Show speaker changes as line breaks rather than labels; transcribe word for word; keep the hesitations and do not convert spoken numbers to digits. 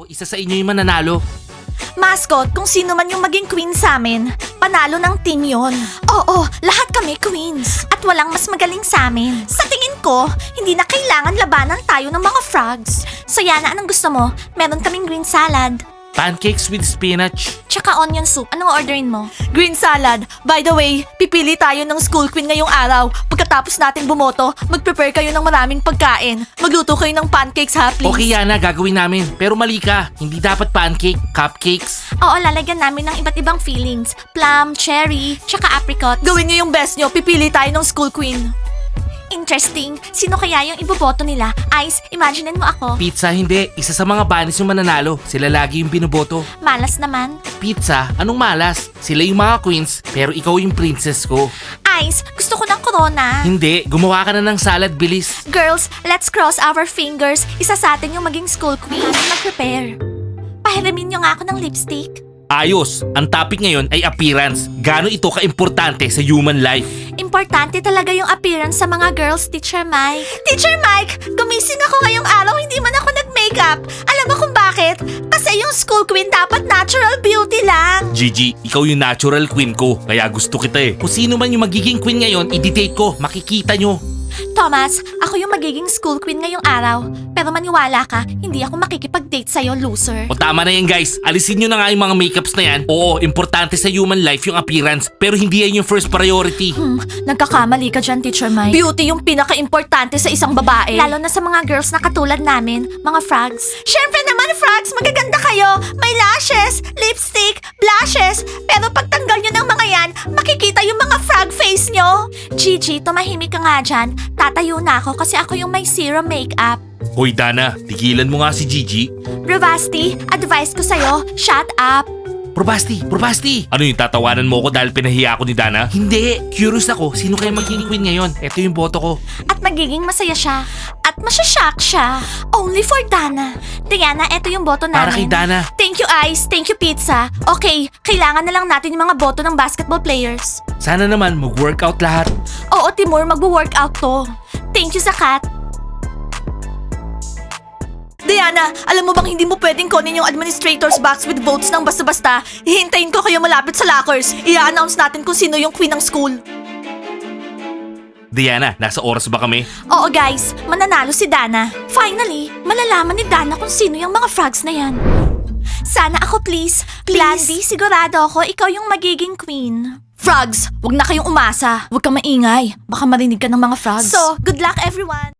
isa sa inyo yung mananalo.
Mascot, kung sino man yung maging queen sa amin, panalo ng team yon. Oo, lahat kami queens. At walang mas magaling sa amin. Sa tingin ko, hindi na kailangan labanan tayo ng mga frogs. So Yana, anong gusto mo? Meron kaming green salad.
Pancakes with spinach.
Tsaka onion soup. Anong orderin mo? Green salad. By the way, pipili tayo ng school queen ngayong araw. Pagkatapos natin bumoto, mag-prepare kayo ng maraming pagkain. Magluto kayo ng pancakes ha, please.
Okay Yana, gagawin namin. Pero mali ka. Hindi dapat pancake, cupcakes.
Oo, lalagyan namin ng iba't ibang fillings. Plum, cherry, tsaka apricot. Gawin niyo yung best niyo. Pipili tayo ng school queen. Interesting. Sino kaya yung iboboto nila? Ice, imaginein mo ako.
Pizza, hindi. Isa sa mga banis yung mananalo. Sila lagi yung binoboto.
Malas naman.
Pizza? Anong malas? Sila yung mga queens, pero ikaw yung princess ko.
Ice, gusto ko ng corona.
Hindi, gumawa ka na ng salad, bilis.
Girls, let's cross our fingers. Isa sa atin yung maging school queen. Mag-prepare. Pahiramin niyo nga ako ng lipstick.
Ayos, ang topic ngayon ay appearance. Gaano ito ka-importante sa human life?
Importante talaga yung appearance sa mga girls, Teacher Mike. Teacher Mike, gumising ako ngayong araw, hindi man ako nag-makeup. Alam mo kung bakit? Kasi yung school queen dapat natural beauty lang.
Gigi, ikaw yung natural queen ko, kaya gusto kita eh. Kung sino man yung magiging queen ngayon, i-date ko, makikita nyo.
Thomas, ako yung magiging school queen ngayong araw. Pero maniwala ka, hindi ako makikipag-date sa'yo, loser.
O tama na yan guys, alisin nyo na nga yung mga makeups na yan. Oo, importante sa human life yung appearance, pero hindi yan yung first priority.
Hmm, nagkakamali ka dyan, Teacher Mike. Beauty yung pinaka-importante sa isang babae. Lalo na sa mga girls na katulad namin, mga frogs. Siyempre naman, frogs, magaganda kayo. May lashes, lipstick, blushes. Pero pagtanggal nyo ng mga yan, makikita yung mga frog face nyo. Gigi, tumahimik ka nga dyan. Tatayo na ako kasi ako yung may zero makeup.
Hoy Dana, tigilan mo nga si Gigi.
Bravasti, advice ko sa'yo, shut up.
Probasti, Probasti! Ano yung tatawanan mo ko dahil pinahiya ako ni Dana? Hindi! Curious ako, sino kaya magiging queen ngayon? Ito yung boto ko.
At magiging masaya siya. At masyashock siya. Only for Dana. Diana, ito yung boto namin.
Para kay Dana.
Thank you, Ice. Thank you, Pizza. Okay, kailangan na lang natin yung mga boto ng basketball players.
Sana naman mag-workout lahat.
Oo, Timur, magwo-workout to. Thank you, Zakat. Diana, alam mo bang hindi mo pwedeng kunin yung administrator's box with votes ng basta-basta? Hihintayin ko kayo malapit sa lockers. I-announce natin kung sino yung queen ng school.
Diana, nasa oras ba kami?
Oo guys, mananalo si Dana. Finally, malalaman ni Dana kung sino yung mga frogs na yan. Sana ako please. Please. Blandy, sigurado ako ikaw yung magiging queen. Frogs, wag na kayong umasa. Wag kang maingay. Baka marinig ka ng mga frogs. So, good luck everyone.